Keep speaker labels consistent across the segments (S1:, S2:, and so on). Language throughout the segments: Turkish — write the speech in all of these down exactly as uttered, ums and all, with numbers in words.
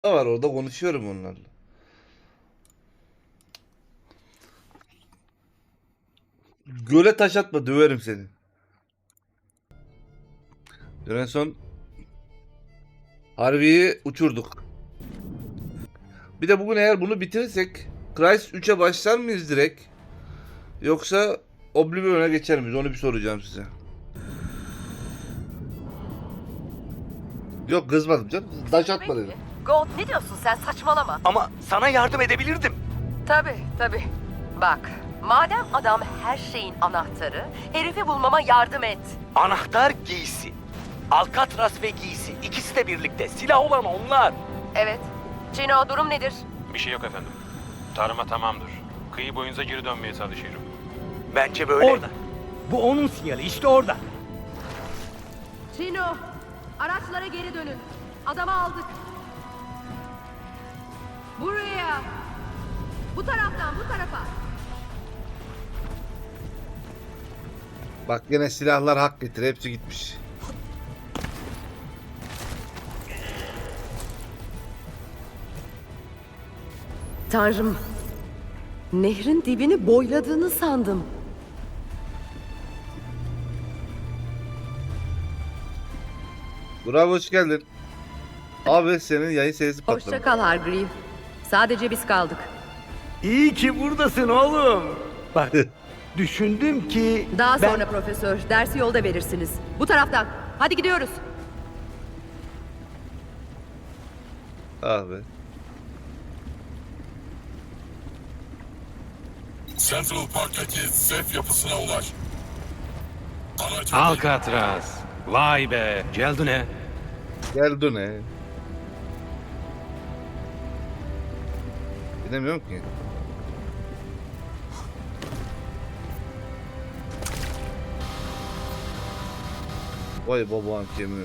S1: var orada, konuşuyorum onlarla. Göle taş atma, döverim seni. En son Harvey'i uçurduk. Bir de bugün eğer bunu bitirirsek Crysis üçe başlar mıyız direkt? Yoksa Oblivion'a geçer miyiz? Onu bir soracağım size. Yok, kızmadım canım. Taş atma dedim.
S2: Gold, ne diyorsun sen, saçmalama.
S3: Ama sana yardım edebilirdim.
S2: Tabii tabii. Bak, madem adam her şeyin anahtarı, herifi bulmama yardım et.
S3: Anahtar giysi. Alcatraz ve giysi. İkisi de birlikte. Silah olan onlar.
S2: Evet. Cino, durum nedir?
S4: Bir şey yok efendim. Tarıma tamamdır. Kıyı boyunca geri dönmeye çalışıyorum.
S3: Bence böyle.
S5: Orada. Bu onun sinyali, işte orada.
S2: Cino, araçlara geri dönün. Adamı aldık. Buraya. Bu taraftan, bu tarafa.
S1: Bak yine silahlar hak getir. Hepsi gitmiş.
S2: Tanrım, nehrin dibini boyladığını sandım.
S1: Bravo, hoş geldin. Abi senin yayın sesi patladı.
S2: Hoşça kal Hargreave. Sadece biz kaldık.
S5: İyi ki buradasın oğlum. Bak, düşündüm ki...
S2: Daha
S5: ben-
S2: sonra profesör, dersi yolda verirsiniz. Bu taraftan. Hadi gidiyoruz.
S1: Abi.
S6: Central Park'taki sef yapısına ulaş. Aracı
S4: Alcatraz. Vay be. Celdune.
S1: Geldi ne? Bilemiyorum ki. Vay babağın kemiğine.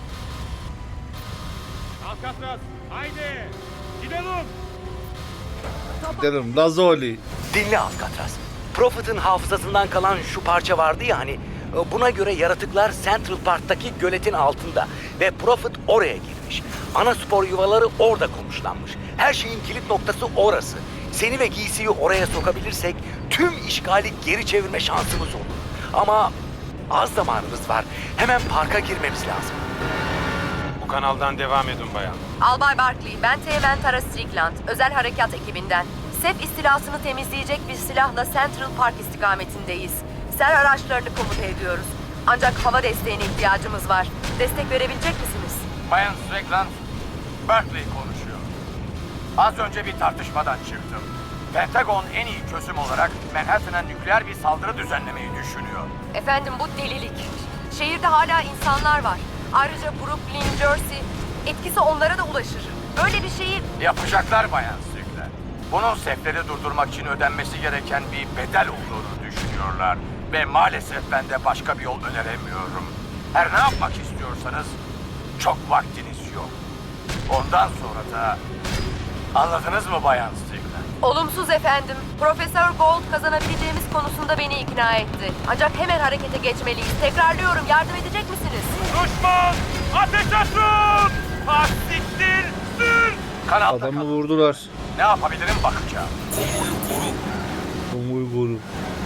S4: Alcatraz. Haydi. Gidelim.
S1: Gidelim Lazoli.
S3: Dinle Alcatraz. Prophet'ın hafızasından kalan şu parça vardı ya hani. Buna göre yaratıklar Central Park'taki göletin altında. Ve Prophet oraya girmiş. Ana spor yuvaları orada konuşlanmış. Her şeyin kilit noktası orası. Seni ve giysiyi oraya sokabilirsek tüm işgali geri çevirme şansımız olur. Ama az zamanımız var. Hemen parka girmemiz lazım.
S4: Bu kanaldan devam edin bayan.
S2: Albay Barkley, ben Teğmen Tara Strickland, özel harekat ekibinden. Sef istilasını temizleyecek bir silahla Central Park istikametindeyiz. Ser araçlarını komuta ediyoruz. Ancak hava desteğine ihtiyacımız var. Destek verebilecek misiniz?
S7: Bayan Strickland, Berkeley konuşuyor. Az önce bir tartışmadan çıktım. Pentagon en iyi çözüm olarak Manhattan'a nükleer bir saldırı düzenlemeyi düşünüyor.
S2: Efendim, bu delilik. Şehirde hala insanlar var. Ayrıca Brooklyn, Jersey, etkisi onlara da ulaşır. Böyle bir şeyi...
S7: Yapacaklar Bayan Strickland. Bunun sefleri durdurmak için ödenmesi gereken bir bedel olduğunu düşünüyorlar. Ve maalesef ben de başka bir yol öneremiyorum. Her ne yapmak istiyorsanız çok vaktiniz yok. Ondan sonra da... Anladınız mı Bayan Strickland?
S2: Olumsuz efendim. Profesör Gold kazanabileceğimiz konusunda beni ikna etti. Ancak hemen harekete geçmeliyiz. Tekrarlıyorum, yardım edecek misiniz?
S4: Düşman! Ateş açın! Hastiktir! Sür!
S7: Kanalda
S1: Adamı
S7: kal.
S1: vurdular.
S7: Ne yapabilirim bakacağım.
S6: konvoyu koru.
S1: Umuyu koru.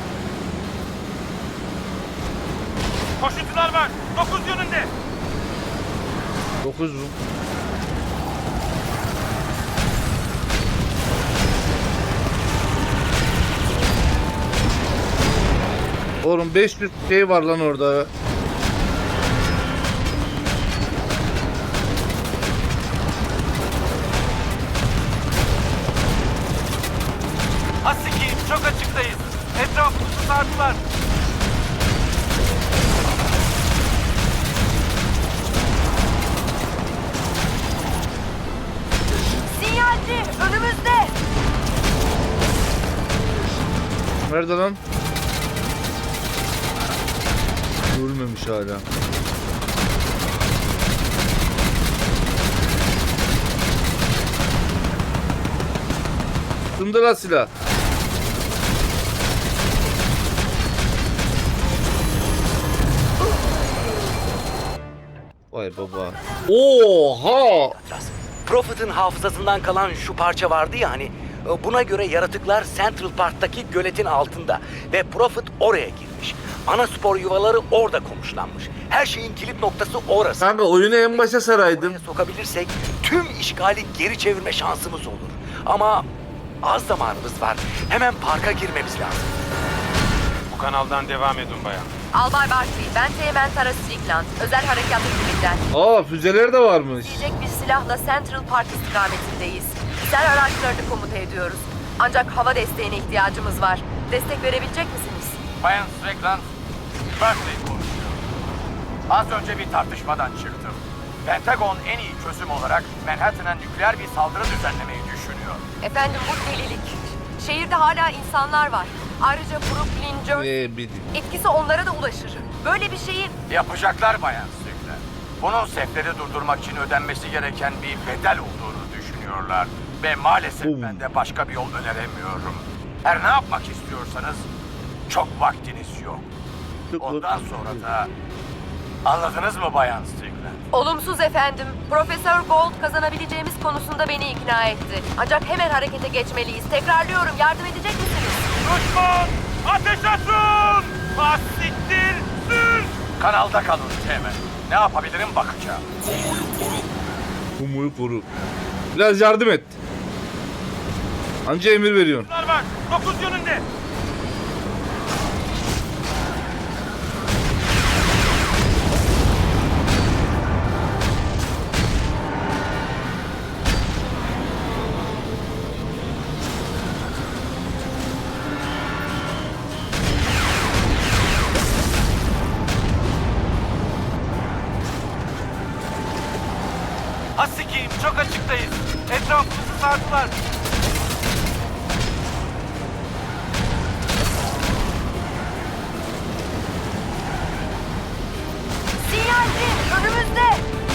S4: Koşucular var. Dokuz yönünde.
S1: dokuz Rum. Oğlum beş yüz şey var lan orada.
S7: Hasiki çok açıktayız. Etrafımızı sardılar.
S2: Sinyalci, önümüzde.
S1: Nerede lan? Ölmemiş hala. Sındır lan silah. Vay baba. Oha!
S3: Alcatraz. Prophet'ın hafızasından kalan şu parça vardı ya hani, e, buna göre yaratıklar Central Park'taki göletin altında ve Prophet oraya girmiş. Ana spor yuvaları orada konuşlanmış. Her şeyin kilit noktası orası.
S1: Kanka oyunu en başa saraydın.
S3: Oraya sokabilirsek tüm işgali geri çevirme şansımız olur. Ama az zamanımız var. Hemen parka girmemiz lazım.
S4: Bu kanaldan devam edin bayan.
S2: Albay Barkley, ben Teğmen Tara Strickland. Özel harekat ekibinden.
S1: Aa füzeler de varmış.
S2: Diyecek bir silahla Central Park istikametindeyiz. Ser araçlarını komuta ediyoruz. Ancak hava desteğine ihtiyacımız var. Destek verebilecek misiniz?
S7: Bayan Strickland, Berkeley konuşuyor. Az önce bir tartışmadan çıktım. Pentagon en iyi çözüm olarak Manhattan'a nükleer bir saldırı düzenlemeyi düşünüyor.
S2: Efendim bu delilik. Şehirde hala insanlar var. Ayrıca Brooklyn, Jersey
S1: Ne bileyim.
S2: etkisi onlara da ulaşır. Böyle bir şeyin
S7: Yapacaklar Bayan Strickland. Bunun sefleri durdurmak için ödenmesi gereken bir bedel olduğunu düşünüyorlar. Ve maalesef
S1: Oo.
S7: ben de başka bir yol öneremiyorum. Her ne yapmak istiyorsanız çok vaktiniz yok. Ondan sonra da anladınız mı Bayan Strickland?
S2: olumsuz efendim. Profesör Gold kazanabileceğimiz konusunda beni ikna etti. Ancak hemen harekete geçmeliyiz. Tekrarlıyorum, yardım edecek misiniz?
S7: Düşman! Ateş açın! Bastiktir! Sür! Kanalda kalın Teğmen. Ne yapabilirim bakacağım.
S6: Konvoyu koru.
S1: Umuyu koru. Biraz yardım et. Anca emir veriyorsun.
S7: Var! Dokuz yönünde! Hasikiyim, çok açıktayız. Etrafımızı sardılar.
S2: Sinyalci önümüzde.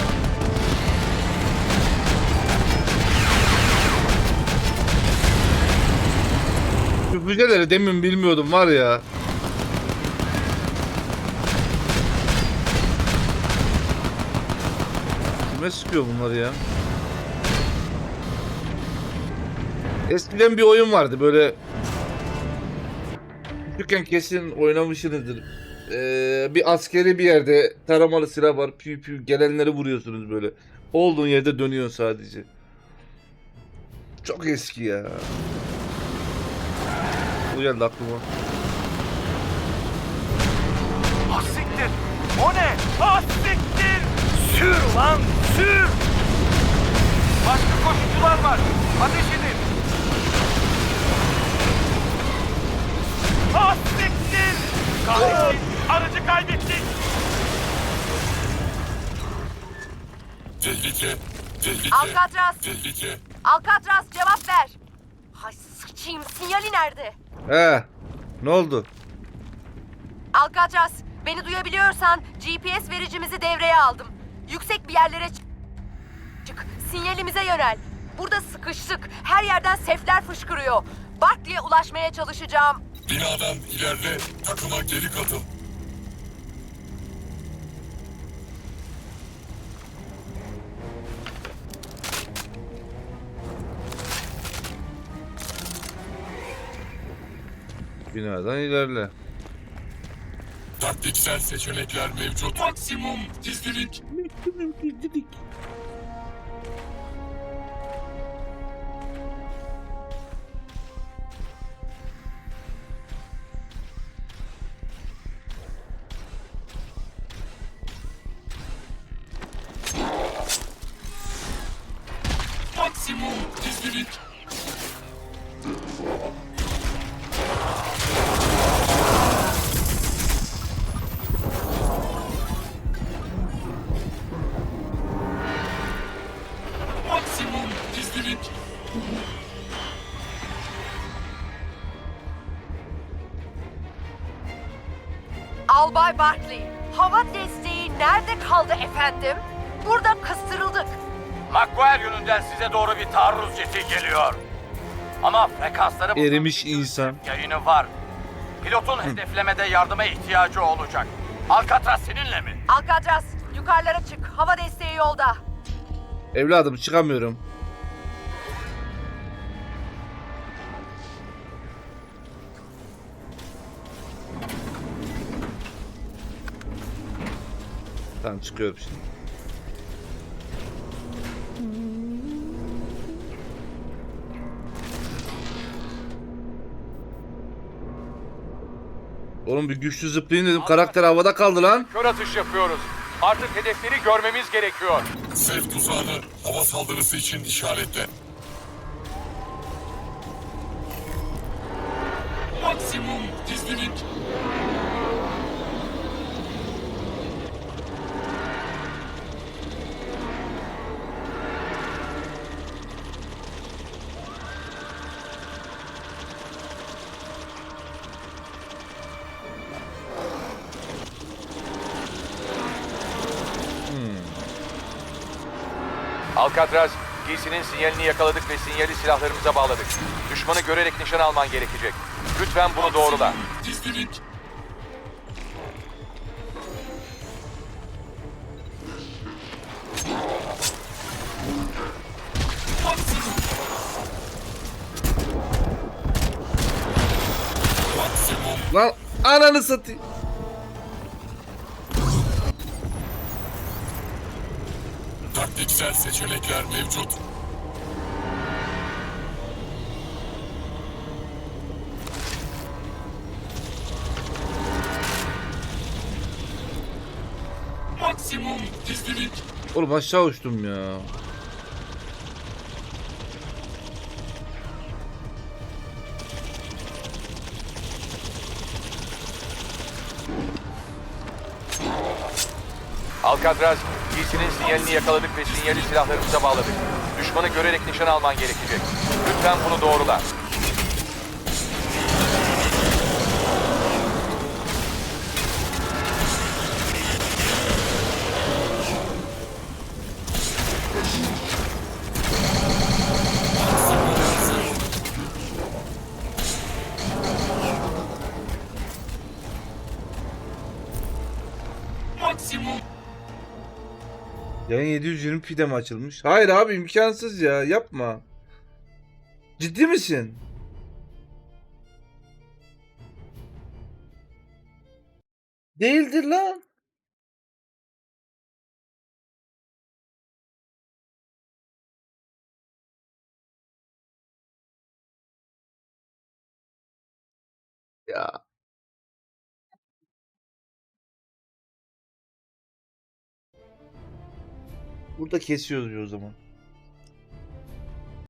S1: Şu füzeleri demin bilmiyordum var ya. Kime sıkıyor bunlar ya? Eskiden bir oyun vardı böyle. Küçükken kesin oynamışsınızdır. Ee, bir askeri bir yerde taramalı silah var. Piu piu gelenleri vuruyorsunuz böyle. Olduğun yerde dönüyorsun sadece. Çok eski ya. Bu geldi aklıma.
S7: Hastiktir! O ne? Hastiktir! Sür lan, sür! Başka koşucular var. Ateş edin! Hastiktir! Kahretsin! Aracı kaybettik!
S6: Tehlike. Tehlike.
S2: Alcatraz,
S6: Tehlike.
S2: Alcatraz cevap ver. Hay sıçayım, sinyali nerede?
S1: He. Ne oldu?
S2: Alcatraz, beni duyabiliyorsan G P S vericimizi devreye aldım. Yüksek bir yerlere çık. çık. Sinyalimize yönel. Burada sıkıştık. Her yerden sefler fışkırıyor. Barkley'e ulaşmaya çalışacağım.
S6: Binadan ilerle. Takıma geri katıl.
S1: Binadan ilerle.
S6: Taktiksel seçenekler mevcut. Maksimum gizlilik. Maksimum gizlilik. Maksimum gizlilik.
S2: Albay Barkley, hava desteği nerede kaldı efendim? Burada kıstırıldık.
S7: McGuire yönünden size doğru bir taarruz jeti geliyor. Ama frekansları...
S1: Erimiş insan.
S7: Yayını var. Pilotun hedeflemede yardıma ihtiyacı olacak. Alcatraz seninle mi?
S2: Alcatraz, yukarılara çık. Hava desteği yolda.
S1: Evladım çıkamıyorum. Tamam çıkıyorum şimdi. Oğlum bir güçlü zıplayayım dedim. Karakter havada kaldı lan.
S8: Kör atış yapıyoruz. Artık hedefleri görmemiz gerekiyor.
S6: Sev tuzağını hava saldırısı için işaretle. Maksimum gizlilik.
S8: Alcatraz, giysinin sinyalini yakaladık ve sinyali silahlarımıza bağladık. Düşmanı görerek nişan alman gerekecek. Lütfen bunu doğrula.
S6: Gizlilik. Maksimum. Maksimum.
S1: Lan ananı satayım.
S6: Taktiksel seçenekler mevcut. Maksimum gizlilik.
S1: Oğlum aşağı uçtum ya.
S8: Alcatraz, giysinin sinyalini yakaladık ve sinyali silahlarımıza bağladık. Düşmanı görerek nişan alman gerekecek. Lütfen bunu doğrula.
S6: Maksimum.
S1: Yayın yedi yüz yirmi p'de mi açılmış? Hayır abi imkansız ya yapma. Ciddi misin? Değildir lan. Ya. Burada kesiyoruz o zaman.